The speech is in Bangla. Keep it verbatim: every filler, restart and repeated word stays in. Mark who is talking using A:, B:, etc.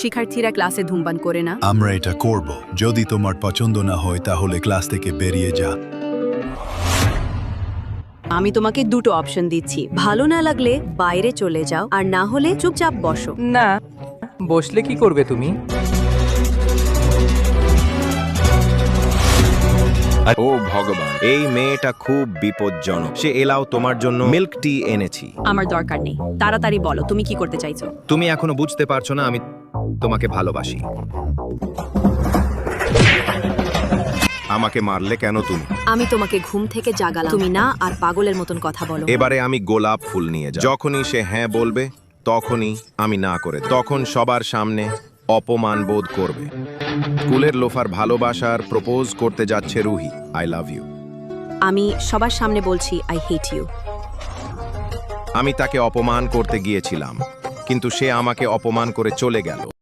A: শিক্ষার্থীরা ক্লাসে ধূমপান করে না?
B: আমরা এটা করব। যদি তোমার পছন্দ না হয় তাহলে ক্লাস থেকে বেরিয়ে যা।
A: আমি তোমাকে দুটো অপশন দিচ্ছি, ভালো না লাগলে বাইরে চলে যাও, আর না হলে চুপচাপ বসো।
C: না, বসলে কি করবে তুমি?
D: ও ভগবান, এই মেয়েটা খুব বিপজ্জনক। সে এলাও তোমার জন্য মিল্ক টি এনেছি।
A: আমার দরকার নেই, তাড়াতাড়ি বলো তুমি কি করতে চাইছো।
D: তুমি এখনো বুঝতে পারছো না আমি তোমাকে ভালোবাসি। আমাকে মারলে কেন তুমি?
A: আমি তোমাকে ঘুম থেকে জাগালাম, তুমি না আর পাগলের মতন কথা বলো।
D: এবারে আমি গোলাপ ফুল নিয়ে যাই। যখনই সে হ্যাঁ বলবে তখনই আমি না করে, তখন সবার সামনে অপমান বোধ করবে। স্কুলের লোফার ভালোবাসার প্রপোজ করতে যাচ্ছে রুহি। I love you.
A: আমি সবার সামনে বলছি আই হেট ইউ।
D: আমি তাকে অপমান করতে গিয়েছিলাম, কিন্তু সে আমাকে অপমান করে চলে গেল।